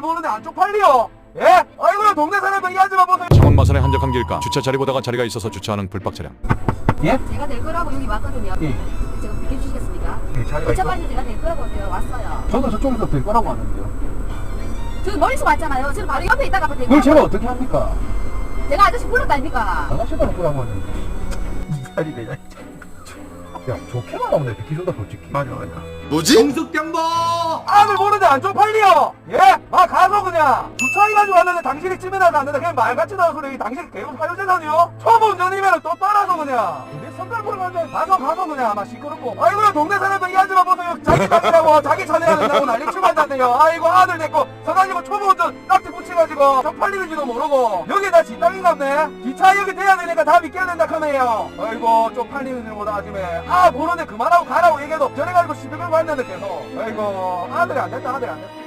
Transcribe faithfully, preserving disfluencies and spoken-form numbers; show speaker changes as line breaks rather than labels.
보는데 안 쪽팔려? 예? 아이고야 동네 사람들 이 아줌마 보세요.
창원 마산의 한적한 길가 주차 자리 보다가 자리가 있어서 주차하는 불박 차량.
예?
제가 될 거라고 여기 왔거든요.
예.
제가 비켜주시겠습니까?
예, 자리가 있어.
어차피 제가 될 거라고 제가 왔어요.
저도 저쪽에서 될 거라고 하는데요.
저 멀리서 왔잖아요. 저는 바로 옆에 있다가 될
그걸
거라고.
제가 어떻게 합니까?
제가 아저씨 불렀다 아닙니까?
아저씨가 거라고 하는데 이 자리 내가 야 좋게만 나오네 비키소다 솔직히. 맞아 맞아.
뭐지?
정숙병도 아들 보는데 안 쪽팔려? 예? 아 가서 그냥 주차해가지고 왔는데 당신이 찜해놔서 왔는데 그냥 말같이 나온 소리. 당신이 개운 사유재산이요? 초보 운전이면 또 따라서 그냥 내 선발 보러 가는데 가서 가서 그냥 아마 시끄럽고. 아이고야 동네 사람들 이 아줌마 보세요. 자기 차례라고 자기 차례야 된다고 난리치고 앉았네요. 아이고 아들 내거 서가지고 초보 운전 딱지 붙여가지고 쪽팔리는지도 모르고 여기 다 지 땅인갑네. 기차 여기 돼야 되니까 다 믿겨야 된다 카네요. 아이고 쪽팔리는 일보다 아침에 아 보는데 그만하고 가라고 얘기해도 저래가지고 시비 걸고 왔는데 계속. 아이고 아들이 안 됐다 아들이 안 됐다.